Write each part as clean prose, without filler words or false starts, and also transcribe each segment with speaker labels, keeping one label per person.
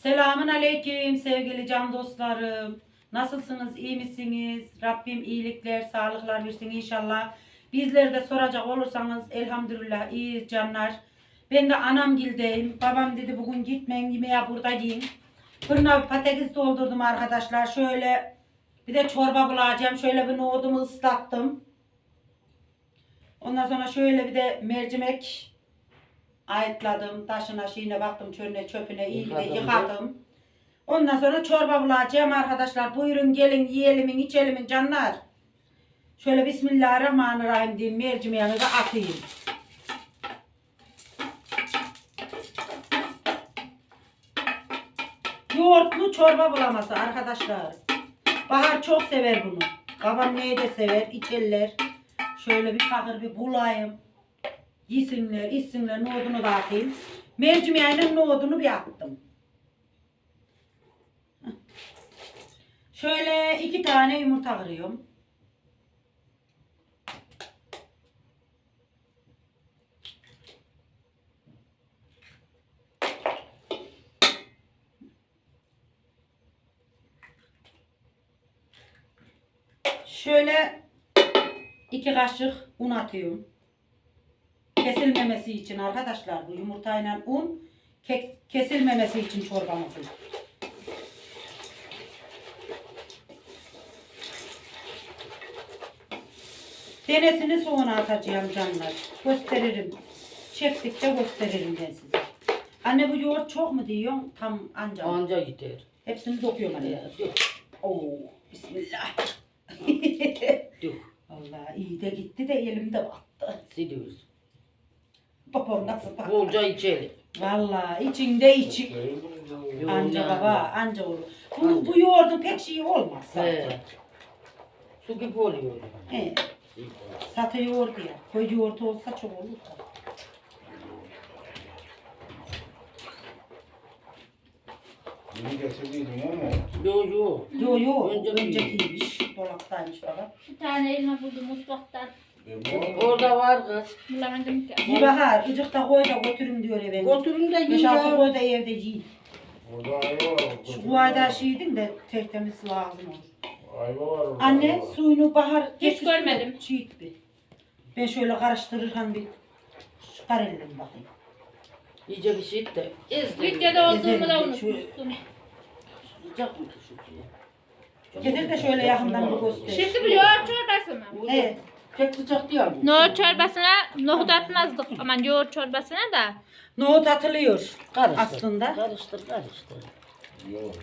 Speaker 1: Selamun aleyküm sevgili can dostlarım. Nasılsınız, iyi misiniz? Rabbim iyilikler, sağlıklar versin inşallah. Bizleri de soracak olursanız elhamdülillah iyiyiz canlar. Ben de anamgildeyim. Babam dedi bugün gitmeyin yemeğe burada yiyin. Fırına bir patates doldurdum arkadaşlar. Şöyle bir de çorba bulacağım. Şöyle bir nohudumu ıslattım. Ondan sonra şöyle bir de mercimek ayıtladım. Taşına şeyine baktım, çölüne çöpüne iyi de yıkadım. Ondan sonra çorba bulacağım arkadaşlar. Buyurun gelin yiyelim içelim canlar. Şöyle Bismillahirrahmanirrahim diyeyim. Mercimeğini de atayım. Yoğurtlu çorba bulaması arkadaşlar. Bahar çok sever bunu. Babam neyi de sever, içerler. Şöyle bir fakir bir bulayım. Yesinler, içsinler, nohudunu da atayım. Mercimeğinin nohudunu bir attım. Şöyle 2 tane yumurta kırıyorum. Şöyle 2 kaşık un atıyorum. Kesilmemesi için arkadaşlar bu yumurtayla un kesilmemesi için çorbamızın. Denesini sonra atacağım canlar. Gösteririm. Çektikçe gösteririm ben size. Anne bu yoğurt çok mu diyorsun? Tam anca.
Speaker 2: Anca gider.
Speaker 1: Hepsini dokuyorum anne.
Speaker 2: Dök.
Speaker 1: Oo, bismillah.
Speaker 2: Dök.
Speaker 1: Vallahi iyi de gitti de elimde battı.
Speaker 2: Siliyoruz.
Speaker 1: Babam nasıl baktı?
Speaker 2: Bolca içelim.
Speaker 1: Vallahi içinde içi. Anca baba, anca olur. Bu yoğurdu pek şey olmaz zaten.
Speaker 2: He. Su gibi oluyor.
Speaker 1: He. Satı yoğurdu ya. Koy yoğurdu olsa çok olur da.
Speaker 3: Yeni getirdiydin ama.
Speaker 2: Yo.
Speaker 1: Yo,
Speaker 2: Önceki.
Speaker 1: öncekiymiş. Dolaptaymış baba.
Speaker 4: Bir tane elma buldum mutfaktan.
Speaker 2: Orada var kız.
Speaker 4: Bulamadım ki.
Speaker 1: Bir bahar, ıcıkta koy da götürün diyor efendim.
Speaker 2: Götürün de yiyin
Speaker 1: 5-6
Speaker 2: ya.
Speaker 1: koy da evde yiyin.
Speaker 3: Orada ayva var.
Speaker 1: Şu bu ayda şeydin de tertemiz lazım olur.
Speaker 3: Ayva var orada.
Speaker 1: Anne
Speaker 3: ayva.
Speaker 1: suyunu bahar
Speaker 4: Hiç görmedim.
Speaker 1: Çiğit bir. Ben şöyle karıştırırken bir çıkar elim bakayım.
Speaker 2: İyice bir şey et de. Ez de.
Speaker 4: Videoda olduğumu da
Speaker 1: Gezelim,
Speaker 4: unutmuşsun.
Speaker 2: Sıcak mı şu suyu?
Speaker 1: Getir de şöyle yakından bir göster.
Speaker 4: Şimdi bu yoğurt çorbası mı?
Speaker 1: Evet.
Speaker 2: Pek sıcak değil bu.
Speaker 4: Nohut çorbasına nohut atmazdık. Aman yoğurt çorbasına da.
Speaker 1: Nohut atılıyor
Speaker 2: Karıştır.
Speaker 1: aslında.
Speaker 2: Karıştır.
Speaker 3: Yok.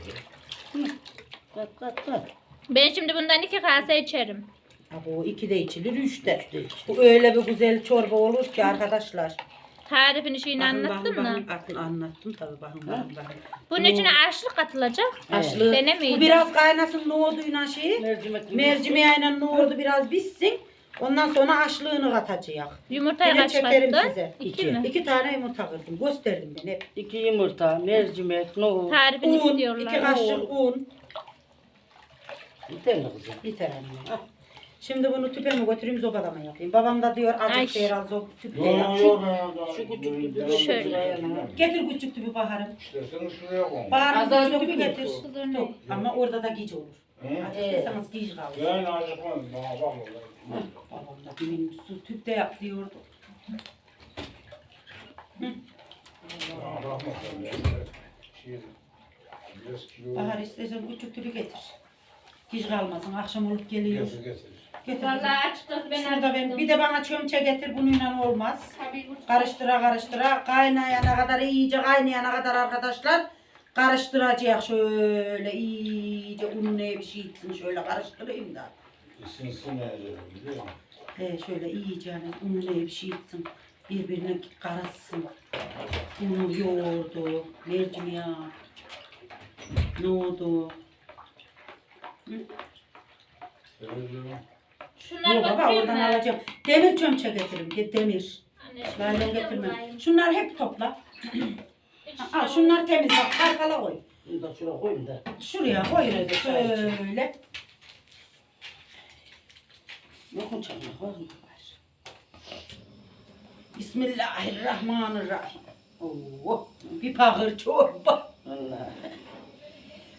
Speaker 2: Kat.
Speaker 4: Ben şimdi bundan 2 kase içerim.
Speaker 1: Ha, bu 2 de içilir 3 de.
Speaker 2: 3 de içilir.
Speaker 1: Bu öyle bir güzel çorba olur ki arkadaşlar.
Speaker 4: Tarifini şeyini anlattın mı?
Speaker 1: Anlattım tabii bakın.
Speaker 4: Bunun içine aşlık katılacak.
Speaker 1: Haşlı.
Speaker 4: Denemeyin.
Speaker 1: Bu biraz kaynasın nohuduyla şeyi. Mercimeğiyle nohudu biraz pişsin. Ondan sonra haşlığını katacak.
Speaker 4: Yumurtayı
Speaker 1: Yine
Speaker 4: kaç
Speaker 1: çekerim
Speaker 4: kattın?
Speaker 1: size.
Speaker 4: 2 mi?
Speaker 1: 2 tane yumurta kırdım. Gösterdim ben hep.
Speaker 2: 2 yumurta, mercimek, nohut.
Speaker 4: Tarifini
Speaker 1: Un, 2
Speaker 4: istiyorlar.
Speaker 1: kaşık un.
Speaker 2: Yeter mi kızım?
Speaker 1: Yeter anne. Ah. Şimdi bunu tüpe mi götüreyim zobada mı yapayım? Babam da diyor
Speaker 4: Ay.
Speaker 1: acık şey al tüpte
Speaker 3: Yok
Speaker 1: yap.
Speaker 3: yok.
Speaker 2: şu küçük gibi
Speaker 4: şöyle.
Speaker 1: Getir küçük tüpü Bahar'ım.
Speaker 3: İsterseniz şuraya koy.
Speaker 1: Bahar'ın
Speaker 2: Azar
Speaker 1: küçük
Speaker 2: tüpü
Speaker 1: tüpü getir.
Speaker 2: getir.
Speaker 4: Kız örneği.
Speaker 1: Ama orada da gic olur.
Speaker 3: He?
Speaker 1: Acıktıysanız gic kalır.
Speaker 3: Yani acıkmaz. Bana bak orada.
Speaker 1: Babam da benim su tüpte yap diyordu.
Speaker 3: Bana bakma sen de. Şey, biraz kilo.
Speaker 1: Bahar istersen küçük tüpü getir. Gic kalmasın. Akşam olup geliyor.
Speaker 3: Getir getir.
Speaker 1: Getir.
Speaker 4: Vallahi açıkçası ben
Speaker 1: Şurada ben bir de bana çömçe getir bununla olmaz.
Speaker 4: Tabii bu
Speaker 1: Karıştıra kaynayana kadar iyice kaynayana kadar arkadaşlar karıştıracak şöyle iyice un ne bir şey içsin şöyle karıştırayım da.
Speaker 3: Isınsın yani. Biliyor musun?
Speaker 1: Şöyle iyice hani un ne bir şey içsin birbirine karışsın. Unu yoğurdu, mercimeği, nohudu.
Speaker 3: Seviyorum.
Speaker 4: şunları
Speaker 1: Yok baba
Speaker 4: götüreyim
Speaker 1: oradan
Speaker 4: mi?
Speaker 1: alacağım. Demir çömçe getiririm. Demir.
Speaker 4: Anne,
Speaker 1: Naylon
Speaker 4: şunları
Speaker 1: getirmem.
Speaker 4: bulayım.
Speaker 1: Şunlar hep topla. Al şunlar temiz bak kalkala koy.
Speaker 2: Bunu da şuraya koyayım da.
Speaker 1: Şuraya koy öyle şöyle.
Speaker 2: Yokun çaymak var mı?
Speaker 1: Bismillahirrahmanirrahim. Oo, bir pahır çorba.
Speaker 2: Vallahi.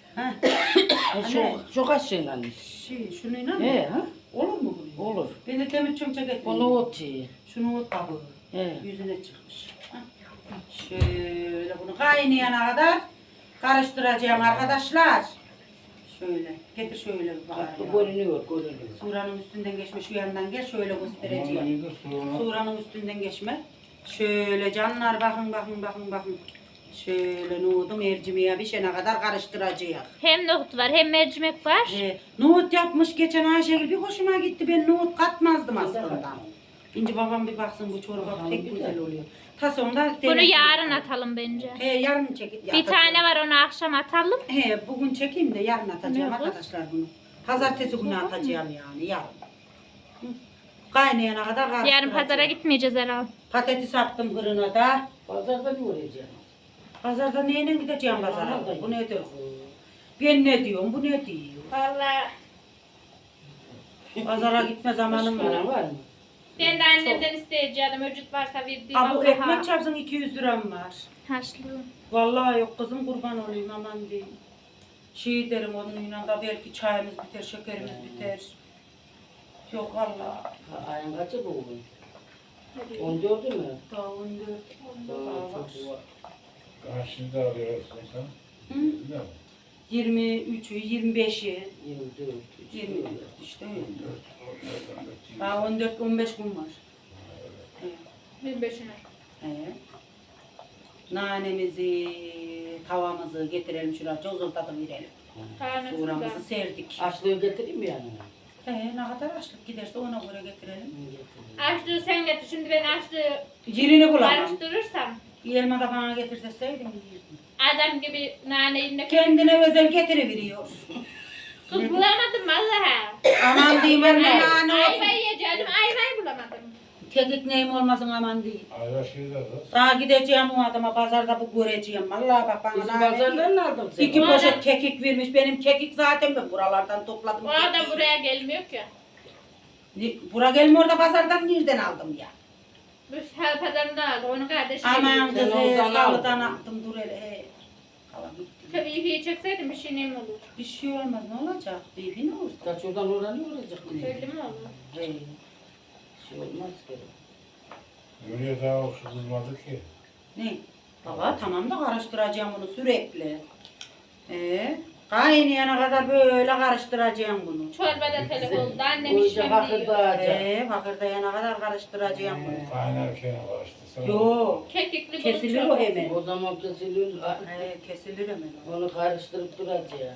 Speaker 1: Ha,
Speaker 2: Çok aşığıyla.
Speaker 1: şununla mı?
Speaker 2: He ha?
Speaker 1: Olur mu bu?
Speaker 2: Olur.
Speaker 1: Ben de demir çömçek ettim.
Speaker 2: Bu nohut yiyor.
Speaker 1: Şunu kabuğu.
Speaker 2: He.
Speaker 1: Yüzüne çıkmış. Ha. Şöyle bunu kaynayana kadar karıştıracağım arkadaşlar. Şöyle. Getir şöyle bir
Speaker 2: Bu
Speaker 1: bakar.
Speaker 2: görünüyor.
Speaker 1: Suranın üstünden geçme şu yandan gel şöyle
Speaker 3: Ondan
Speaker 1: göstereceğim.
Speaker 3: iyi de sonra.
Speaker 1: Suranın üstünden geçme. Şöyle canlar bakın. Şöyle nohudu mercimeğe pişene kadar karıştıracağız.
Speaker 4: Hem nohut var hem mercimek var.
Speaker 1: Nohut yapmış geçen Ayşegül bir hoşuma gitti. Ben nohut katmazdım aslında. İnci babam bir baksın bu çorba pek güzel oluyor. Ta sonunda
Speaker 4: Bunu yarın atalım bence.
Speaker 1: Yarın çekip
Speaker 4: Bir tane var onu akşam atalım.
Speaker 1: Bugün çekeyim de yarın atacağım
Speaker 4: Ne kız?
Speaker 1: arkadaşlar bunu. Pazartesi günü atacağım yani yarın. Hı. Kaynayana kadar karıştıracağım.
Speaker 4: Yarın pazara gitmeyeceğiz herhalde.
Speaker 1: Patates attım fırına da.
Speaker 2: Pazarda ne uğrayacağım?
Speaker 1: Pazarda neyle gideceğim pazara?
Speaker 2: Pazarda
Speaker 1: Bu nedir? Ben ne diyorum, bu ne diyor?
Speaker 4: Vallahi
Speaker 1: Pazara gitme zamanım
Speaker 2: Paran
Speaker 1: var.
Speaker 2: var mı?
Speaker 4: ben de annemden isteyeceğim. Öcüt varsa verdiğim
Speaker 1: Aa, bu
Speaker 4: Allah'a.
Speaker 1: ekmek çarpsın 200 liram var.
Speaker 4: Haşlı.
Speaker 1: Vallahi yok kızım kurban olayım aman diyeyim. Şey derim onunla da belki çayımız biter, şekerimiz biter. Yok vallahi.
Speaker 2: Ayın kaçı bu bugün? 14'ü mü?
Speaker 1: Daha 14.
Speaker 2: Çok var.
Speaker 3: Karşında arıyorsun sen.
Speaker 1: Hı?
Speaker 3: Ne?
Speaker 1: 23'ü, 25'i,
Speaker 2: 24.
Speaker 1: 24 işte öyle.
Speaker 3: 4,
Speaker 1: Daha 14-15 gün var.
Speaker 4: 25'ine.
Speaker 1: He. Nanemizi, tavamızı getirelim şuraya, cozultadı verelim. Suğramızı serdik.
Speaker 2: Açlığı getireyim mi yani?
Speaker 1: Ne kadar açlık giderse ona göre getirelim.
Speaker 4: Açlığı sen getir. Şimdi ben açlığı
Speaker 1: Yerini bulamam.
Speaker 4: karıştırırsam
Speaker 1: Elma da bana getirseydin yiyirdim.
Speaker 4: adam gibi nane eline
Speaker 1: Kendine özel getiriveriyor.
Speaker 4: kız bulamadım vallahi.
Speaker 1: Aman diyeyim ben nane
Speaker 4: Ayva
Speaker 1: olsun.
Speaker 4: yiyeceğim. Ayvayı bulamadım.
Speaker 1: Kekik neyim olmasın aman değil.
Speaker 3: Ayda şeyde kız.
Speaker 1: Daha gideceğim o adama pazarda bu göreceğim. Vallahi bak bana
Speaker 2: Bizim
Speaker 1: nane
Speaker 2: pazardan ne aldın sen?
Speaker 1: İki
Speaker 4: Bu
Speaker 1: poşet
Speaker 4: adam-
Speaker 1: kekik vermiş. Benim kekik zaten ben buralardan topladım.
Speaker 4: O adam
Speaker 1: kekiği.
Speaker 4: buraya gelmiyor ki.
Speaker 1: Bura gelmiyor da pazardan nereden aldım ya?
Speaker 4: Bu hal pazarında aldı. Onun kardeşi
Speaker 1: Aman
Speaker 4: geliyor.
Speaker 1: kızı
Speaker 2: oradan
Speaker 1: salıdan
Speaker 2: aldın.
Speaker 1: attım dur hele. He. Kalan gitti.
Speaker 4: Tabii ipiyi çekseydim bir şey neyim olur.
Speaker 1: Bir şey olmaz ne olacak? Bir ne olur?
Speaker 2: Kaç oradan oraya ne olacak?
Speaker 4: Belli mi olur?
Speaker 1: He.
Speaker 2: Şey olmaz ki.
Speaker 3: Öyle daha hoş kızmadı ki.
Speaker 1: Ne? Baba tamam da karıştıracağım bunu sürekli. Kaynayana kadar böyle karıştıracağım bunu.
Speaker 4: Çorbada telef oldu. Annem
Speaker 2: Bu
Speaker 4: işlem
Speaker 2: işe bakır
Speaker 4: diyor.
Speaker 2: dağacak.
Speaker 1: Bakırdayana kadar karıştıracağım bunu.
Speaker 3: Kaynarken karıştı. Sen
Speaker 1: Yok.
Speaker 4: Kekikli bulut
Speaker 1: Kesilir o
Speaker 4: çorbası.
Speaker 1: hemen.
Speaker 2: O zaman kesilir.
Speaker 1: Kesilir hemen o.
Speaker 2: Onu karıştırıp duracağım.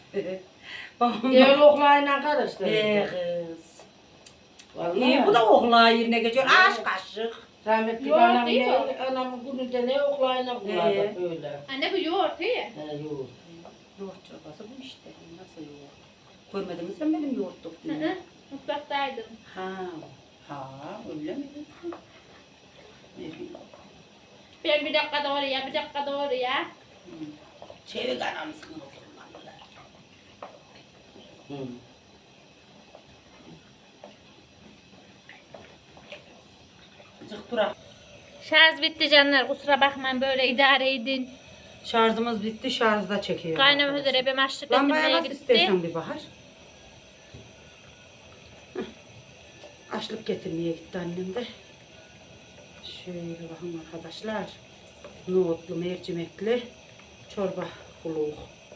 Speaker 1: Babam
Speaker 2: Diğer
Speaker 1: da.
Speaker 2: oklayla karıştıracağım.
Speaker 1: Kız.
Speaker 2: Vallahi.
Speaker 1: İyi bu da okla yerine geçiyor. Aşk kaşık.
Speaker 2: Rahmetli
Speaker 4: Yoğurt
Speaker 2: anam
Speaker 4: değil mi?
Speaker 2: anamın gününde ne oklayla kullandı böyle.
Speaker 4: Anne bu yoğurt iyi.
Speaker 2: Yoğurt.
Speaker 1: Yoğurt çorbası bu işte. Nasıl yoğurt? Görmedin mi sen benim yoğurt
Speaker 4: Hı
Speaker 1: döktüğümü?
Speaker 4: hı. Mutfaktaydım.
Speaker 1: Ha, öyle mi? Ne bileyim.
Speaker 4: Ben bir dakika oraya, bir dakika oraya.
Speaker 1: Çevik anamsın o zamanlar.
Speaker 2: Hı.
Speaker 1: Azıcık durak.
Speaker 4: Şarj bitti canlar. Kusura bakmayın böyle idare edin.
Speaker 1: Şarjımız bitti, şarjda çekiyor.
Speaker 4: Kaynama üzere ben açlık
Speaker 1: Lambaya
Speaker 4: getirmeye
Speaker 1: nasıl
Speaker 4: gitti.
Speaker 1: istersen bir bahar. Heh. Açlık getirmeye gitti annem de. Şöyle bakın arkadaşlar. Nohutlu, mercimekli çorba kuluğu.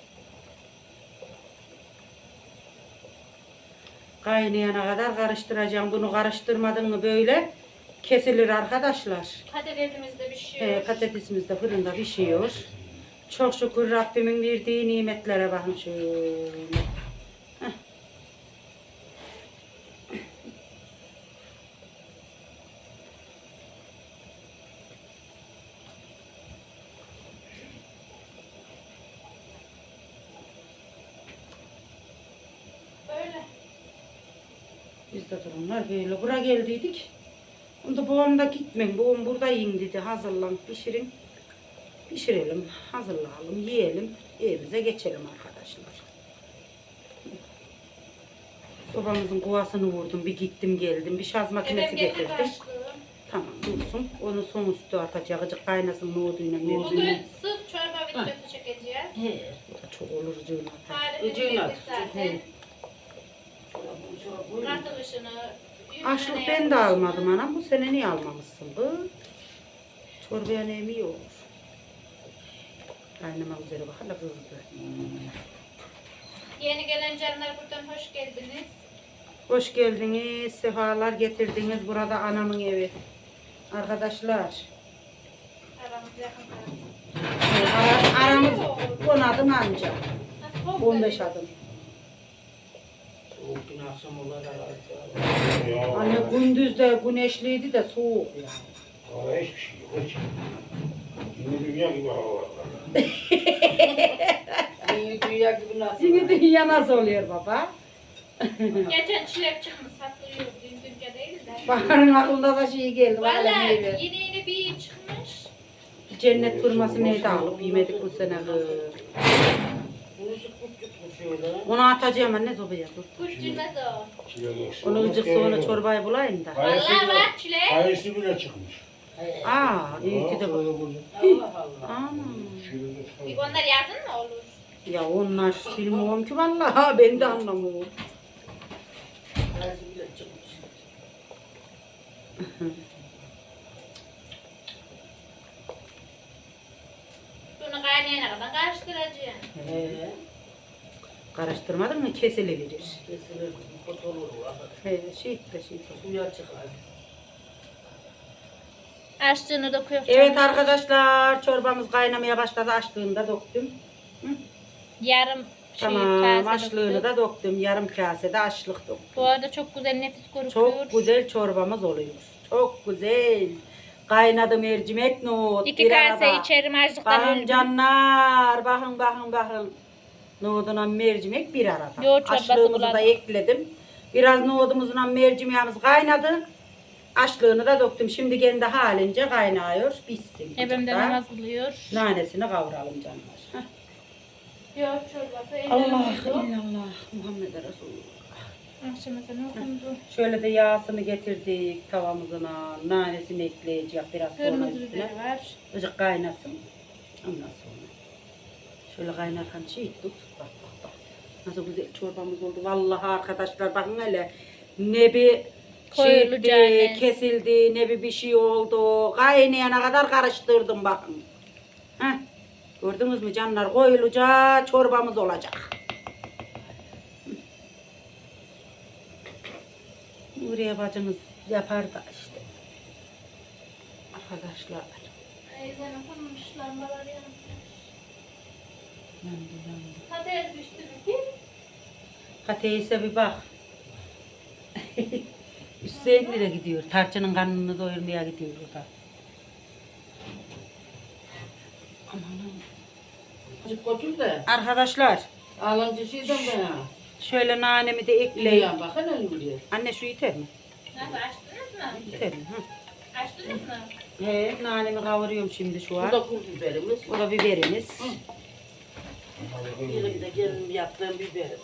Speaker 1: Kaynayana kadar karıştıracağım. Bunu karıştırmadın mı böyle kesilir arkadaşlar.
Speaker 4: Patatesimiz de pişiyor.
Speaker 1: Patatesimiz de fırında pişiyor. Çok şükür Rabbimin verdiği nimetlere bakın şöyle. Heh.
Speaker 4: Böyle.
Speaker 1: Biz de durumlar böyle. Buraya geldiydik. Onda babam da gitmeyin. Babam burada yiyin dedi. Hazırlan, pişirin. Pişirelim, hazırlayalım, yiyelim. Evimize geçelim arkadaşlar. Sobamızın kovasını vurdum. Bir gittim geldim. Bir şarj makinesi
Speaker 4: Efendim getir
Speaker 1: getirdim.
Speaker 4: karıştı.
Speaker 1: Tamam dursun. Onu son üstü atacak. Azıcık kaynasın nohuduyla.
Speaker 4: Bugün
Speaker 1: mercimeği.
Speaker 4: sırf çorba videosu çekeceğiz.
Speaker 1: He, bu da Çok olur ucuna.
Speaker 4: Tarifini
Speaker 2: Ucuyla
Speaker 4: bildik zaten. Katılışını.
Speaker 1: Açlık ben de almadım anam. Bu sene niye almamışsın bu? Çorbaya ne mi olur? Kaynama üzere bak hala kızdı.
Speaker 4: Yeni gelen canlar buradan hoş geldiniz.
Speaker 1: Hoş geldiniz, sefalar getirdiniz. Burada anamın evi. Arkadaşlar.
Speaker 4: Aramız yakın.
Speaker 1: Aramız 10 adım anca.
Speaker 4: Nasıl soğuk
Speaker 1: 15
Speaker 4: geliyor?
Speaker 1: adım.
Speaker 2: Soğuk gün akşam olur herhalde.
Speaker 3: Ya.
Speaker 1: Anne gündüz de güneşliydi de soğuk ya.
Speaker 3: Hava hiçbir şey yok. Hiç. Yine dünya gibi hava var.
Speaker 2: Yeni dünya gibi nasıl?
Speaker 1: Şimdi dünya nasıl oluyor baba?
Speaker 4: Geçen çilek çıkmış satılıyor. Dünkü değil de.
Speaker 1: Bahar'ın aklında da şey geldi. Valla
Speaker 4: Valla
Speaker 1: meyve.
Speaker 4: yeni bir çıkmış.
Speaker 1: Cennet turması neydi alıp yemedik bu sene.
Speaker 2: Bunu çıkıp şöyle.
Speaker 1: Onu atacağım anne sobaya dur.
Speaker 4: Kuşçulmaz o.
Speaker 1: Onu ıcık sonra çorbayı bulayım da.
Speaker 4: Valla bak çilek.
Speaker 3: Kayısı bile çıkmış.
Speaker 1: Aa iyi ki de bak.
Speaker 2: Allah Allah.
Speaker 1: Aman.
Speaker 4: Onlar yazın mı olur?
Speaker 1: Ya onlar bilmiyorum ki vallahi ben de anlamıyorum.
Speaker 2: Kayısı bile çıkmış.
Speaker 4: Bunu kaynayana kadar karıştıracağım.
Speaker 1: Karıştırmadın mı kesili verir.
Speaker 2: Kesilir, kot olur.
Speaker 1: He şey de.
Speaker 2: Suya çıkar.
Speaker 4: Açtığını döküyor.
Speaker 1: Evet arkadaşlar çorbamız kaynamaya başladı. Açlığını da döktüm.
Speaker 4: Yarım
Speaker 1: Tamam
Speaker 4: kase
Speaker 1: açlığını
Speaker 4: döktüm.
Speaker 1: da döktüm. Yarım kasede açlık döktüm.
Speaker 4: Bu arada çok güzel nefis kokuyor.
Speaker 1: Çok güzel çorbamız oluyor. Çok güzel. Kaynadı mercimek nohut.
Speaker 4: 2
Speaker 1: bir
Speaker 4: kase
Speaker 1: arada.
Speaker 4: içerim açlıktan
Speaker 1: Bakın
Speaker 4: öldüm.
Speaker 1: canlar. Bakın. Nohuduna mercimek bir arada.
Speaker 4: Yoğurt çorbası
Speaker 1: Açlığımızı da
Speaker 4: buladım.
Speaker 1: ekledim. Biraz nohudumuzla mercimeğimiz kaynadı. Açlığını da döktüm. Şimdi kendi halince kaynıyor. Bitsin.
Speaker 4: Ebem de
Speaker 1: Ocakta.
Speaker 4: namaz kılıyor.
Speaker 1: Nanesini kavuralım canlar. Heh.
Speaker 4: Yoğurt çorbası.
Speaker 1: Allah illallah Muhammed Resulullah.
Speaker 4: Akşam ezanı okundu.
Speaker 1: Şöyle de yağsını getirdik tavamızına. Nanesini ekleyeceğiz biraz sonra
Speaker 4: Kırmızı
Speaker 1: üstüne.
Speaker 4: biberi var.
Speaker 1: Azıcık kaynasın. Ondan sonra. Şöyle kaynarken şey tut. Bak. Nasıl güzel çorbamız oldu. Vallahi arkadaşlar bakın hele. Ne bir
Speaker 4: Koyulacak
Speaker 1: şeydi,
Speaker 4: ne?
Speaker 1: kesildi, ne bir şey oldu. Kaynayana kadar karıştırdım bakın. Heh. Gördünüz mü canlar? Koyulacak çorbamız olacak. Buraya bacımız yapar da işte. Arkadaşlar.
Speaker 4: Ezan okunmuş lambalar yanmış.
Speaker 1: Yandı.
Speaker 4: Kader düştü bir kim?
Speaker 1: Hateyse bir bak. Hüseyin nereye gidiyor? Tarçının karnını doyurmaya gidiyor o da. Amanım.
Speaker 2: Azıcık götür de.
Speaker 1: Arkadaşlar
Speaker 2: Ağlancı şeyden be.
Speaker 1: şöyle nanemi de ekleyin.
Speaker 2: İyi bakın öyle.
Speaker 1: Anne şu yeter mi?
Speaker 4: Nasıl açtınız mı?
Speaker 1: Yeter mi? Hı.
Speaker 4: Açtınız mı?
Speaker 1: He, nanemi kavuruyorum şimdi şu
Speaker 2: Bu
Speaker 1: an.
Speaker 2: da kul biberimiz.
Speaker 1: Bu da biberimiz.
Speaker 2: Benim de gelin yaptığım biberim.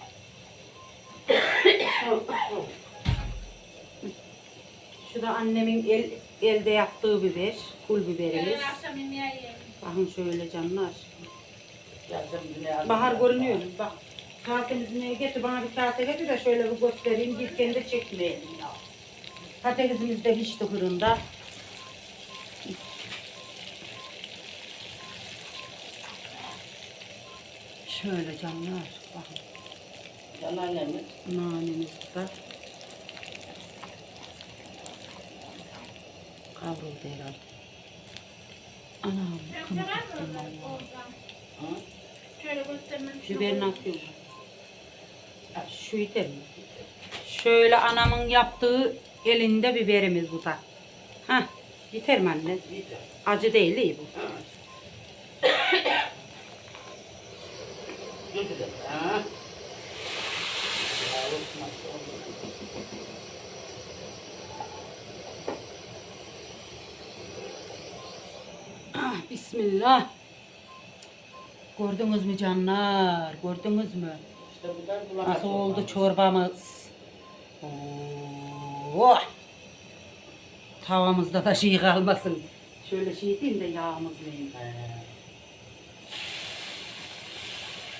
Speaker 1: Şu da annemin elde yaptığı biber. Pul biberimiz.
Speaker 4: Yarın akşam yemeği yiyelim.
Speaker 1: Bakın şöyle canlar.
Speaker 2: Yazdım yine.
Speaker 1: Bahar görünüyor. Bak kasemizi neye getir bana bir kase getir de şöyle bir göstereyim. Gitken de çekmeyelim ya. Patatesimiz de pişti fırında. Şöyle canlar. Bakın
Speaker 2: Anneannemiz.
Speaker 1: nanemiz var. Kavruldu herhalde. Anam.
Speaker 4: Sen sever mi oradan?
Speaker 2: Ha?
Speaker 4: Şöyle göstermem.
Speaker 1: Biberini atıyorum. Ya, şu yeter mi? Şöyle anamın yaptığı elinde biberimiz bu da. Hah, yeter mi anne?
Speaker 2: Yeter.
Speaker 1: Acı değil iyi bu.
Speaker 2: Götür de. Ha? Ya, unutmaz.
Speaker 1: Ah, bismillah. Gördünüz mü canlar? Gördünüz mü?
Speaker 2: İşte bu da bulamaç
Speaker 1: Nasıl oldu
Speaker 2: olmaz.
Speaker 1: çorbamız? Oh! Tavamızda da şey kalmasın. Şöyle şey diyeyim de yağımız neyim.
Speaker 2: He.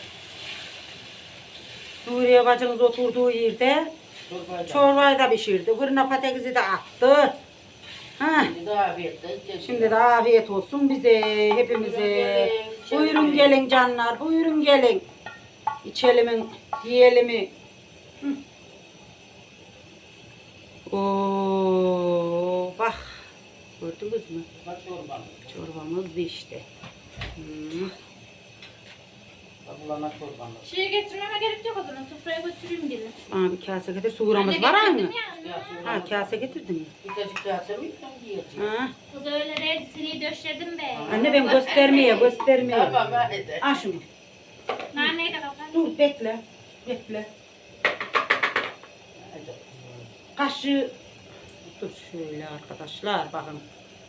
Speaker 1: Nuriye bacınız oturduğu yerde
Speaker 2: Çorbayı da.
Speaker 1: çorbayı da pişirdi. Fırına patatesi de attı. Ha.
Speaker 2: Şimdi de afiyetle.
Speaker 1: Şimdi de afiyet olsun bize, hepimize. Buyurun gelin canlar, buyurun gelin. İçelim, yiyelim. Oo, bak. Gördünüz mü?
Speaker 2: Bak çorbamız.
Speaker 1: Çorbamız pişti.
Speaker 2: Bak bulama çorbamız.
Speaker 4: Şeye getirmeme gerek yok o zaman. Sofraya götüreyim gelin.
Speaker 1: Aa, bir kase getir. Suğuramız var aynı.
Speaker 4: getirdim ya.
Speaker 2: Ya,
Speaker 1: Ha, kase getirdin mi?
Speaker 2: bir tacık kase mi? Ben diyeceğim.
Speaker 1: Ha.
Speaker 4: Kız öyle değil. Seni döşedim be.
Speaker 1: Anne ben göstermeye.
Speaker 2: Tamam hadi.
Speaker 1: Al şunu.
Speaker 4: Naneyi de kapat.
Speaker 1: Dur bekle. Bekle.
Speaker 2: Hadi.
Speaker 1: Kaşığı. Dur şöyle arkadaşlar bakın.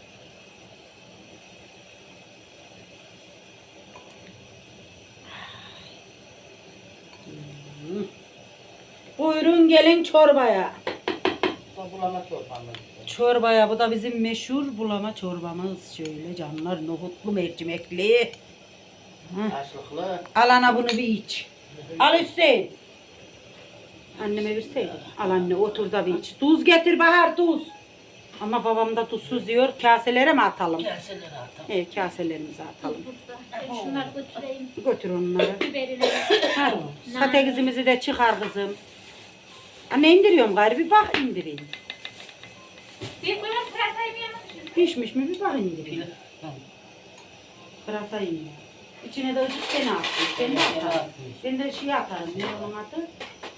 Speaker 1: Buyurun gelin çorbaya.
Speaker 2: Bu bulama çorbamız.
Speaker 1: Çorbaya bu da bizim meşhur bulama çorbamız. Şöyle canlar nohutlu mercimekli.
Speaker 2: Açlıklı.
Speaker 1: Al ana bunu bir iç. Al Hüseyin. Anneme verseydin. Al anne otur da bir iç. Tuz getir Bahar tuz. Ama babam da tuzsuz diyor. Kaselere mi atalım?
Speaker 2: Gelseler atalım.
Speaker 1: Evet kaselerimize atalım.
Speaker 4: Burada. Ben şunları götüreyim.
Speaker 1: Götür onları.
Speaker 4: Biberini.
Speaker 1: Ha, patatesimizi de çıkar kızım. Anne indiriyorum gayrı bir bak indireyim.
Speaker 4: Bir koyun pırasayı mı yemek?
Speaker 1: Pişmiş mi bir bak indireyim. Pırasa iniyor. İçine de ıcık seni attım. Ben de atarım. Ben de şey atarım. Ne onun adı?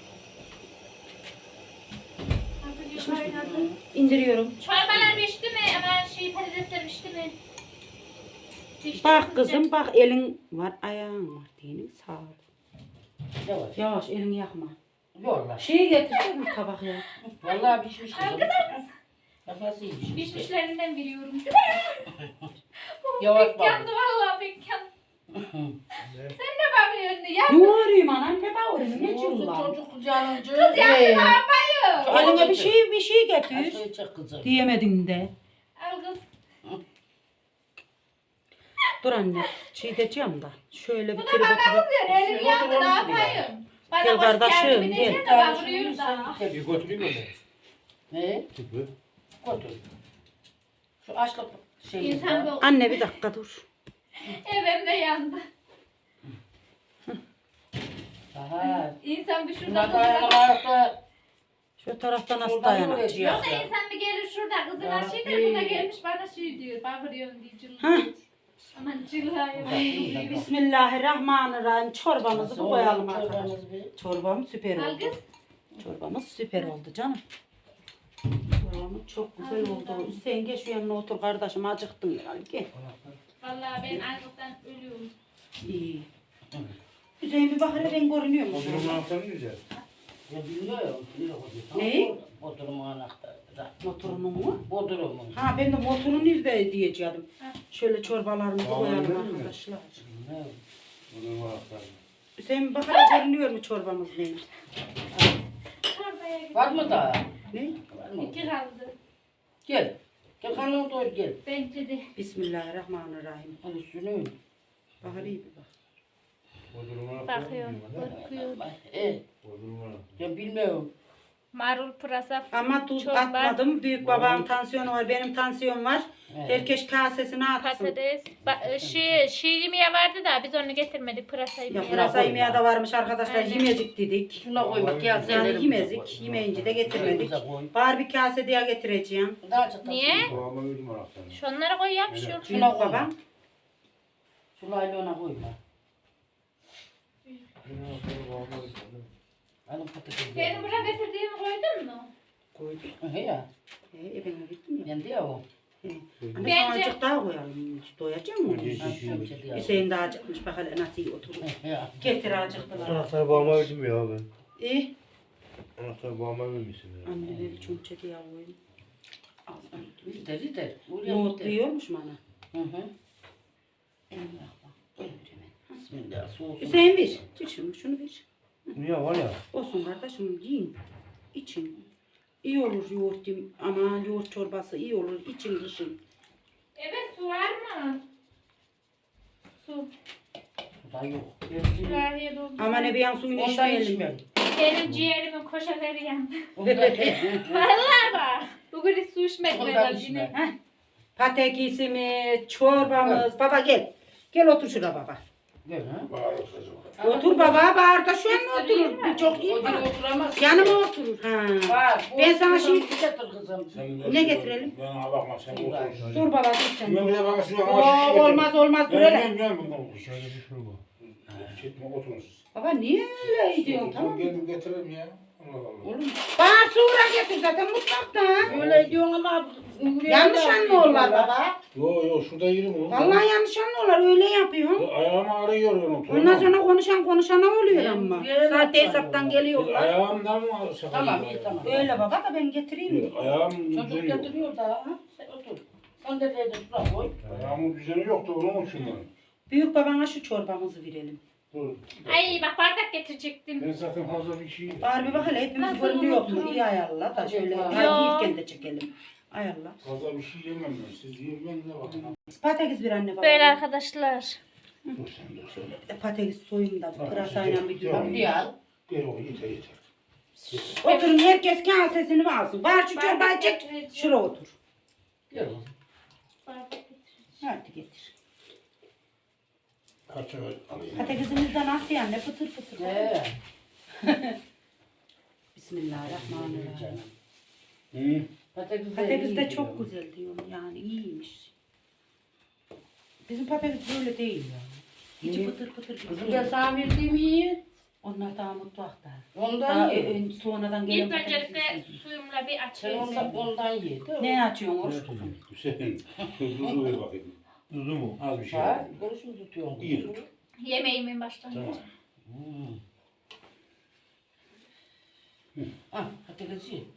Speaker 1: Pişmiş mi? İndiriyorum.
Speaker 4: Çorbalar pişti mi? Ama şey patatesler pişti mi? Pişti
Speaker 1: Bak
Speaker 4: mi
Speaker 1: kızım bak elin var ayağın var diyelim sağ ol.
Speaker 2: Yavaş.
Speaker 1: Yavaş elini yakma.
Speaker 2: Yolla.
Speaker 1: Şeyi getirsene bir tabak ya.
Speaker 2: Vallahi pişmiş kızım.
Speaker 4: Kız kız.
Speaker 2: Bak nasıl iyiymiş işte.
Speaker 4: Pişmişlerinden biliyorum.
Speaker 2: Yavaş
Speaker 4: Pek
Speaker 2: bak.
Speaker 4: yandı vallahi pek yandı. Sen ne bakıyorsun ya?
Speaker 1: Ne arayayım anam ne bağırıyorsun ne
Speaker 2: Olsun
Speaker 1: çullar.
Speaker 2: çocuk kucağınca.
Speaker 4: Kız yandı ne yapayım?
Speaker 1: Eline bir şey getir.
Speaker 2: Açlığı çek kızım.
Speaker 1: Diyemedin de.
Speaker 4: Al kız.
Speaker 1: Dur anne şey diyeceğim da. Şöyle bir
Speaker 4: Bu da
Speaker 1: kere
Speaker 4: bana
Speaker 1: bakıp.
Speaker 4: kızıyor. Elim yandı ne yapayım? Bana
Speaker 1: Gel
Speaker 4: hoş
Speaker 1: kardeşim,
Speaker 4: geldin. Bir
Speaker 1: gel.
Speaker 4: de bağırıyor da.
Speaker 3: Bir götüreyim mi?
Speaker 2: Ne?
Speaker 3: Tüpü.
Speaker 2: Otur. Şu açlık şeyi.
Speaker 4: İnsan bu.
Speaker 1: Anne bir dakika dur.
Speaker 4: Evim de yandı.
Speaker 2: Aha.
Speaker 4: İnsan bir şurada
Speaker 2: Bunlar
Speaker 4: kızına.
Speaker 2: dayanamamakta.
Speaker 1: Şu taraftan nasıl
Speaker 2: Şuradan
Speaker 1: dayanacak?
Speaker 2: yürüyeceğiz
Speaker 4: Yoksa
Speaker 2: ya.
Speaker 4: insan bir gelir şurada kızına
Speaker 2: Ya
Speaker 4: şey der. Bu da
Speaker 2: Rabbi.
Speaker 4: gelmiş bana şey diyor. Bağırıyorsun diye cılıyor.
Speaker 1: Hah.
Speaker 4: Aman cılıyor.
Speaker 1: Bismillahirrahmanirrahim. Çorbamızı
Speaker 2: Nasıl
Speaker 1: bu koyalım
Speaker 2: oldu
Speaker 1: arkadaşlar.
Speaker 2: çorbamız bir?
Speaker 1: Çorbam süper
Speaker 4: Al
Speaker 1: oldu.
Speaker 4: kız.
Speaker 1: Çorbamız süper oldu canım. Çorbamız çok güzel oldu. Hüseyin gel şu yanına otur kardeşim acıktın herhalde gel.
Speaker 4: Vallahi ben açlıktan ölüyorum.
Speaker 1: İyi. Hüseyin bir bak hele ben görünüyor mu?
Speaker 3: O durumu anahtarı güzel.
Speaker 2: Ya bilmiyorum.
Speaker 1: Ne?
Speaker 2: Bodrumun anahtarı.
Speaker 1: Motorunun mu?
Speaker 2: Bodrumun.
Speaker 1: Ha ben de motorun nerede diyeceğim.
Speaker 4: Ha.
Speaker 1: Şöyle çorbalarımızı
Speaker 3: Tamam,
Speaker 1: koyalım
Speaker 3: öyle mi?
Speaker 1: arkadaşlar.
Speaker 2: Ne?
Speaker 3: O durumu anahtarı.
Speaker 1: Hüseyin bak hele görünüyor mu çorbamız neymiş?
Speaker 4: Çorbaya git.
Speaker 2: Var mı daha?
Speaker 1: Ne?
Speaker 2: Var mı?
Speaker 4: İki kaldı.
Speaker 2: Gel. Gel kanını doyur gel.
Speaker 4: Bence de.
Speaker 1: Bismillahirrahmanirrahim.
Speaker 2: Al üstünü.
Speaker 1: Bak hele iyi bir bak.
Speaker 3: O durumu anahtarı.
Speaker 4: Bakıyor. Korkuyor.
Speaker 3: O durumu anahtarı.
Speaker 2: Ya bilmiyorum.
Speaker 4: Marul pırasa.
Speaker 1: Ama tuz
Speaker 4: Çorba.
Speaker 1: atmadım. Büyük babam tansiyonu var, benim tansiyon var.
Speaker 2: Evet.
Speaker 1: Herkes kasesine atsın.
Speaker 4: Patates. Şiir yemeği vardı da biz onu getirmedik. Pırasa
Speaker 1: Ya
Speaker 4: yemeği.
Speaker 1: pırasa yemeği de varmış arkadaşlar.
Speaker 4: Aynen.
Speaker 1: Yemezdik dedik.
Speaker 2: Şuna koymak ya.
Speaker 1: Yani yemezdik. Yemeyince de getirmedik. Bari bir kase diye getireceğim.
Speaker 2: Daha çok
Speaker 4: Niye?
Speaker 3: Babama verdim anahtarını.
Speaker 4: Şunları koy ya bir şey yok.
Speaker 1: Büyük
Speaker 2: Şuna koy.
Speaker 1: babam.
Speaker 2: Şu laylona koyma.
Speaker 3: Benim anahtarı babama verdim.
Speaker 2: Alın patatesi.
Speaker 4: Benim buraya getirdiğimi koydun mu?
Speaker 1: Koyduk.
Speaker 2: He ya.
Speaker 1: Ben gittim ya.
Speaker 2: Yendi ya o.
Speaker 1: Anne
Speaker 4: Bence-
Speaker 1: sana azıcık daha koyalım. Doyacak mı?
Speaker 3: Bence-
Speaker 2: Ben şöyle diye.
Speaker 1: Hüseyin de acıkmış. Bak hele nasıl iyi oturur.
Speaker 2: He ya.
Speaker 1: Getir acıktılar.
Speaker 3: Anahtarı babama verdim ya ben.
Speaker 1: İyi.
Speaker 3: Anahtarı babama vermişsin ya.
Speaker 1: Anne bir çumçek yağı koyayım. Ağzına tutayım.
Speaker 2: Gider gider. Oraya
Speaker 1: Nohutlu
Speaker 2: gider.
Speaker 1: yiyormuş mu ana?
Speaker 2: Hı hı. Bismillah. Soğusun.
Speaker 1: Hüseyin ver. Tut şunu ver.
Speaker 3: Niye var ya?
Speaker 1: Olsun kardeşim yiyin. İçin. İyi olur yoğurt yiyeyim. Ama yoğurt çorbası iyi olur. İçin için.
Speaker 4: Evet su var mı? Su.
Speaker 2: Suda da yok.
Speaker 4: Sürahiye doldu.
Speaker 1: Aman Ebiyan suyunu
Speaker 2: Ondan
Speaker 1: içmeyelim.
Speaker 2: içmem.
Speaker 4: Benim ciğerimin koşaları yandı.
Speaker 2: Ondan
Speaker 4: Vallahi bak. Bugün hiç su içmedim
Speaker 2: Ondan
Speaker 4: herhalde
Speaker 2: içme.
Speaker 4: yine.
Speaker 1: Patekisimiz, çorbamız. Baba gel. Gel otur şuraya baba.
Speaker 2: Gel ha.
Speaker 3: Bağırır kızım.
Speaker 1: Otur baba, bağır da şu an oturur. Bu çok iyi.
Speaker 2: O gün oturamaz.
Speaker 1: Yanıma oturur. Ha.
Speaker 2: Var.
Speaker 1: Ben sana
Speaker 2: şimdi
Speaker 1: şimdi-
Speaker 2: getir kızım.
Speaker 3: Sen
Speaker 1: Ne getirelim?
Speaker 3: Bana bakma sen otur.
Speaker 1: Dur baba dur sen.
Speaker 3: Ben bir de bana şu
Speaker 1: Oo, olmaz olmaz dur hele.
Speaker 3: Ben bundan şöyle bir şey bu. Çekme oturun siz.
Speaker 1: Baba niye öyle ediyorsun tamam mı?
Speaker 3: Geldim getiririm ya. Allah Allah.
Speaker 2: Oğlum
Speaker 1: Bana sonra getir zaten mutfakta.
Speaker 2: öyle diyorsun ama
Speaker 1: Yanlış anlıyorlar baba.
Speaker 3: Yo şurada yerim onu.
Speaker 1: Vallahi yanlış anlıyorlar öyle yapıyorsun.
Speaker 3: Ayağımı ağrıyor otur.
Speaker 1: Ondan sonra konuşana oluyor
Speaker 2: Ben
Speaker 1: ama.
Speaker 2: yere
Speaker 1: Sahte
Speaker 2: laf
Speaker 1: hesaptan
Speaker 2: sanıyorlar.
Speaker 1: geliyorlar.
Speaker 3: Ayağımdan mı sakın?
Speaker 2: Tamam iyi tamam.
Speaker 1: Öyle baba da ben getireyim.
Speaker 3: Ayağım
Speaker 2: Çocuk
Speaker 3: düzeni yok.
Speaker 2: getiriyor da ha. Sen otur. Sen de dedi şuraya koy.
Speaker 3: Ayağımın düzeni yoktu onun için ben.
Speaker 1: Büyük babana şu çorbamızı verelim.
Speaker 3: Dur.
Speaker 4: Ay bak bardak getirecektim.
Speaker 3: Ben zaten fazla bir şey...
Speaker 1: Bari bir bak hele hepimiz
Speaker 4: Nasıl
Speaker 1: görünüyor mu?
Speaker 4: unuturum?
Speaker 1: İyi ayarla da şöyle.
Speaker 2: Yok.
Speaker 1: Hadi yiyirken de çekelim. Ayarla.
Speaker 3: Fazla bir şey yemem ben. Siz yiyin ben de bakın.
Speaker 1: Patates bir anne baba.
Speaker 4: Böyle arkadaşlar.
Speaker 3: Dur sen dur söyle.
Speaker 1: Patates soyun da pırasayla bir
Speaker 3: Tamam.
Speaker 1: düğün.
Speaker 2: Hadi al.
Speaker 3: Gel o yeter yeter.
Speaker 1: Oturun herkes kasesini alsın. Bari şu çorbayı çek. Şuraya otur.
Speaker 2: Gel oğlum.
Speaker 4: Bardak getir.
Speaker 1: Hadi getir.
Speaker 3: Kaç öyle alayım.
Speaker 1: Patatesimiz de nasıl yani? Fıtır fıtır.
Speaker 2: He.
Speaker 1: Bismillahirrahmanirrahim.
Speaker 3: Hı?
Speaker 1: Patates de çok güzel diyorum yani iyiymiş. Bizim patates böyle değil yani. İçi
Speaker 2: Niye?
Speaker 1: fıtır fıtır gibi.
Speaker 2: Kızım ben sana verdiğim iyi.
Speaker 1: Onlar daha mutfakta.
Speaker 2: Ondan
Speaker 1: Daha
Speaker 2: ye.
Speaker 1: sonradan gelen
Speaker 4: İlk öncelikle
Speaker 1: patatesi.
Speaker 4: suyumla bir
Speaker 2: Sen
Speaker 4: açayım.
Speaker 2: ondan ye.
Speaker 1: Ne açıyorsun oruç kuzum?
Speaker 3: Hüseyin. Tuzu ver bakayım.
Speaker 5: Tuzu mu?
Speaker 3: Az bir şey.
Speaker 2: Ha, görüşüm tutuyorsun.
Speaker 3: İyi
Speaker 2: kızım.
Speaker 3: tut.
Speaker 4: Yemeğimin başlangıcı.
Speaker 3: Tamam.
Speaker 2: Ah, patatesi ye.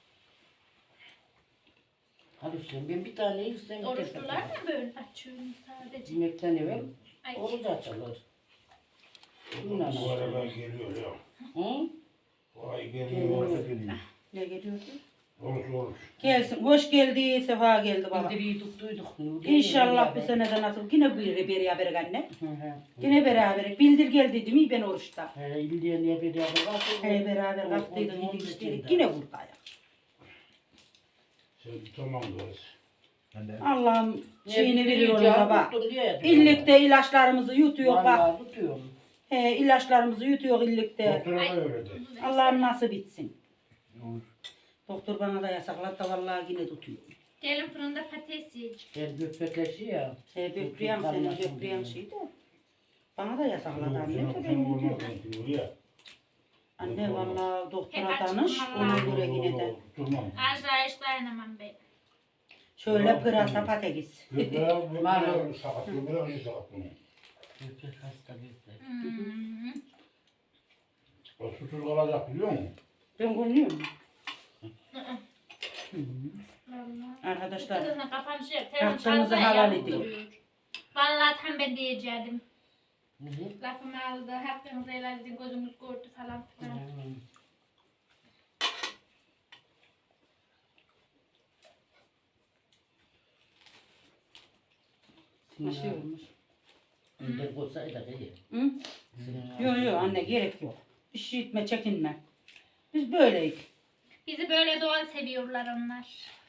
Speaker 2: Hadi Hüseyin ben bir tane yiyeyim.
Speaker 4: Oruçlular mı böyle açıyorum sadece?
Speaker 2: Yemekten evvel
Speaker 4: Ay.
Speaker 2: oruç açılır.
Speaker 3: Bu arada geliyor ya.
Speaker 2: Hı?
Speaker 3: Bu ay geliyor.
Speaker 1: Ne geliyordu?
Speaker 3: Oruç.
Speaker 1: Gelsin. Hoş geldi. Sefa geldi baba.
Speaker 2: Bildiriyi tuttuyduk.
Speaker 1: İnşallah bu sene de nasıl. Yine beraber anne.
Speaker 2: Hı hı.
Speaker 1: Yine beraber. Bildir geldi değil mi ben oruçta.
Speaker 2: He, İldiye niye bir yerde kalktı?
Speaker 1: He beraber kalktıydık yedik içtiydik. Yine buradayız.
Speaker 3: Sen tamam kız.
Speaker 1: Allah'ım şeyini veriyorum baba.
Speaker 2: İllikte.
Speaker 1: İllikte ilaçlarımızı yutuyor bak.
Speaker 2: Vallahi tutuyorum.
Speaker 1: He ilaçlarımızı yutuyor illikte.
Speaker 3: Doktora da öyle de.
Speaker 1: Allah'ım nasıl bitsin. Doktor bana da yasakladı da vallahi yine tutuyor.
Speaker 4: Gelin fırında patates yiyeceğim.
Speaker 2: Ben gökbekleşi ya.
Speaker 1: He böbreyem seni böbreyem şey de. Bana da yasakladı anne de ben gidiyorum.
Speaker 3: Ya.
Speaker 1: Anne vallahi doktora
Speaker 4: Hep
Speaker 1: danış
Speaker 4: açıklamalar.
Speaker 1: ona göre yine de.
Speaker 3: Durmam.
Speaker 4: Azra hiç dayanamam ben.
Speaker 1: Şöyle pırasa patates.
Speaker 3: Göbeğe sakat. Göbeğe sakat bunu.
Speaker 2: Gökbek hasta gökbek.
Speaker 4: Hmm.
Speaker 3: O susuz kalacak biliyor musun?
Speaker 1: Ben görünüyorum.
Speaker 4: Vallahi.
Speaker 1: Arkadaşlar
Speaker 4: Kızın kapanışı yap.
Speaker 1: Hakkınızı
Speaker 4: Telefon
Speaker 1: helal
Speaker 4: çalsa
Speaker 1: edin.
Speaker 4: duruyor. Vallahi tam ben diyecektim.
Speaker 2: Hı hı.
Speaker 4: Lafımı aldı. Hakkınızı helal edin. Gözümüz gördü falan filan.
Speaker 1: bir şey olmuş.
Speaker 2: Önden koysaydı iyi.
Speaker 1: Hı? Yok yok anne gerek yok. Bir şey etme çekinme. Biz böyleyiz.
Speaker 4: Bizi böyle doğal seviyorlar onlar.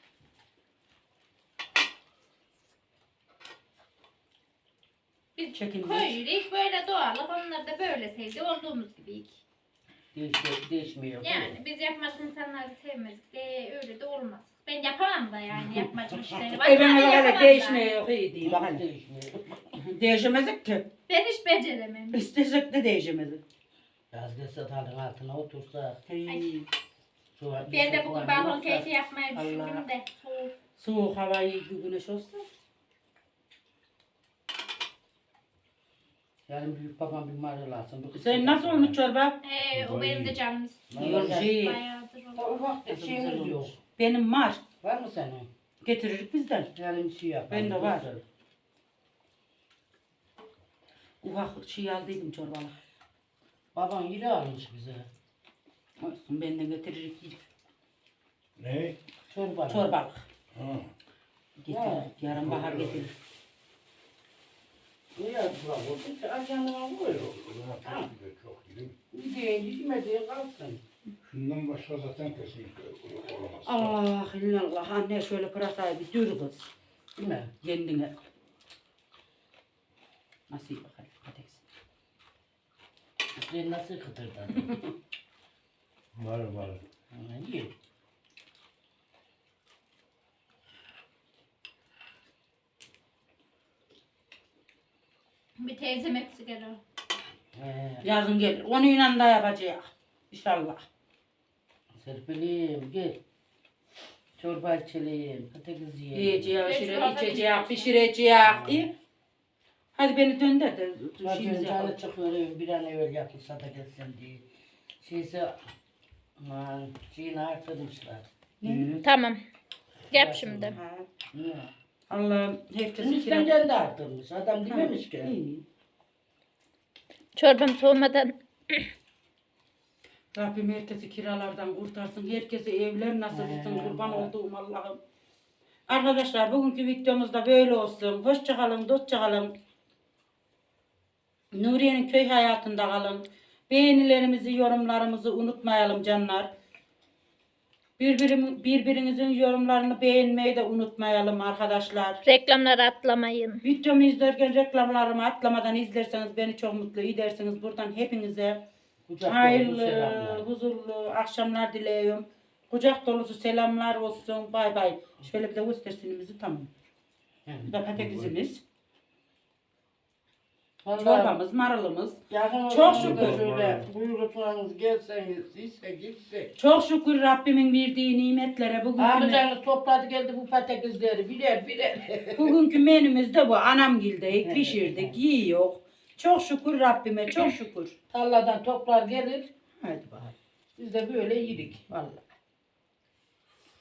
Speaker 4: Biz
Speaker 1: Çekindik.
Speaker 4: koyuyoruz böyle doğallık. Onlar da böyle sevdi. Olduğumuz gibiyik.
Speaker 2: Değişmiyor.
Speaker 4: Yani biz yapmacı insanları sevmezdik de öyle de olmaz. Ben yapamam da yani yapmacı işleri. Vallahi
Speaker 1: Evime
Speaker 4: yapamam
Speaker 1: öyle
Speaker 4: da.
Speaker 1: değişmeye yok iyi değil. Bak
Speaker 2: Bak
Speaker 1: hani.
Speaker 2: değişmiyor.
Speaker 1: Değişemezdik ki.
Speaker 4: Ben hiç beceremem.
Speaker 1: İstesek de değişemezdik.
Speaker 2: Yaz gelse talın altına otursa.
Speaker 1: Hey.
Speaker 2: Soğan,
Speaker 4: Ben de bugün
Speaker 2: soğan
Speaker 4: balkon
Speaker 2: yoksa-
Speaker 4: keyfi yapmayı
Speaker 1: Allah.
Speaker 4: düşündüm de. Soğuk.
Speaker 1: Soğuk hava iyi bir güneş olsa.
Speaker 2: Yani büyük babam bir marul alsın. bu kız
Speaker 1: Sen nasıl
Speaker 2: yapar.
Speaker 1: olmuş çorba?
Speaker 4: O benim de canım istiyor.
Speaker 1: Yok şey.
Speaker 4: Bayağıdır
Speaker 2: Ta
Speaker 4: oldu.
Speaker 2: ufak bir şeyimiz yok.
Speaker 1: Benim var.
Speaker 2: Var mı senin?
Speaker 1: Getiririk bizden.
Speaker 2: Yani bir şey yap.
Speaker 1: Ben de var. Ufak şey aldıydım çorbalık.
Speaker 2: Baban yürü almış bize.
Speaker 1: Olsun ben de getiririk yedik.
Speaker 3: Ne?
Speaker 2: Çorba.
Speaker 1: Çorbalık.
Speaker 3: Ha.
Speaker 1: Getiririk. Yarın bahar getirir.
Speaker 2: Ne yaptılar bu? İşte ajanlığa koyuyor.
Speaker 3: Ulan çok güzel, çok iyi.
Speaker 2: Yediğin yemediğin kalsın.
Speaker 3: Şundan başka zaten kesinlikle olamaz.
Speaker 1: Allah illallah anne şöyle pırasayı bir dür kız.
Speaker 2: Değil mi?
Speaker 1: Kendine. Nasıl bakalım patates.
Speaker 2: Sen nasıl kıtırdadın?
Speaker 3: Var.
Speaker 2: İyi.
Speaker 4: Bir teyzem hepsi gelir.
Speaker 1: Yazın gelir. Onunla da yapacağız. İnşallah.
Speaker 2: Serpelim gel. Çorba içelim, patates yiyelim.
Speaker 1: Yiyeceğiz,
Speaker 4: Ben şu
Speaker 1: içeceğiz, pişireceğiz. İyi. Hadi beni döndür de
Speaker 2: Zaten
Speaker 1: şeyimizi
Speaker 2: canı
Speaker 1: yapalım.
Speaker 2: çıkıyor bir an evvel yapılsa da gelsin diye. Şeyse aman şeyini arttırmışlar.
Speaker 4: Tamam. Yap şimdi.
Speaker 1: Ha.
Speaker 2: Niye?
Speaker 1: Allah'ım herkesi
Speaker 2: Eniştemden de arttırmış. Adam dememiş ki.
Speaker 1: İyi.
Speaker 4: Çorbam soğumadan.
Speaker 1: Rabbim herkesi kiralardan kurtarsın. Herkese evler nasip etsin. Kurban olduğum Allah'ım. Arkadaşlar bugünkü videomuz da böyle olsun. Hoşça kalın, dostça kalın. Nuriye'nin köy hayatında kalın. Beğenilerimizi, yorumlarımızı unutmayalım canlar. Birbirimizin yorumlarını beğenmeyi de unutmayalım arkadaşlar.
Speaker 4: Reklamları atlamayın.
Speaker 1: Videomu izlerken reklamlarımı atlamadan izlerseniz beni çok mutlu edersiniz. Buradan hepinize
Speaker 2: Kucak dolusu
Speaker 1: hayırlı,
Speaker 2: selamlar.
Speaker 1: huzurlu akşamlar diliyorum. Kucak dolusu selamlar olsun. Bay bay. Şöyle bir de göstersinimizi tamam. Bu da patatesimiz,
Speaker 2: Vallahi
Speaker 1: çorbamız, marulumuz.
Speaker 2: yakın
Speaker 1: Çok
Speaker 2: olsun
Speaker 1: şükür.
Speaker 2: da şöyle buyurursanız gelseniz ise gitsek.
Speaker 1: Çok şükür Rabbimin verdiği nimetlere
Speaker 2: Amcanız topladı geldi bu patatesleri birer.
Speaker 1: bugünkü menümüz de bu. Anamgil'de pişirdik, yiyor. Çok şükür Rabbime, çok şükür.
Speaker 2: Tarladan toplar gelir.
Speaker 1: Hadi bakalım.
Speaker 2: Biz de böyle yedik vallahi.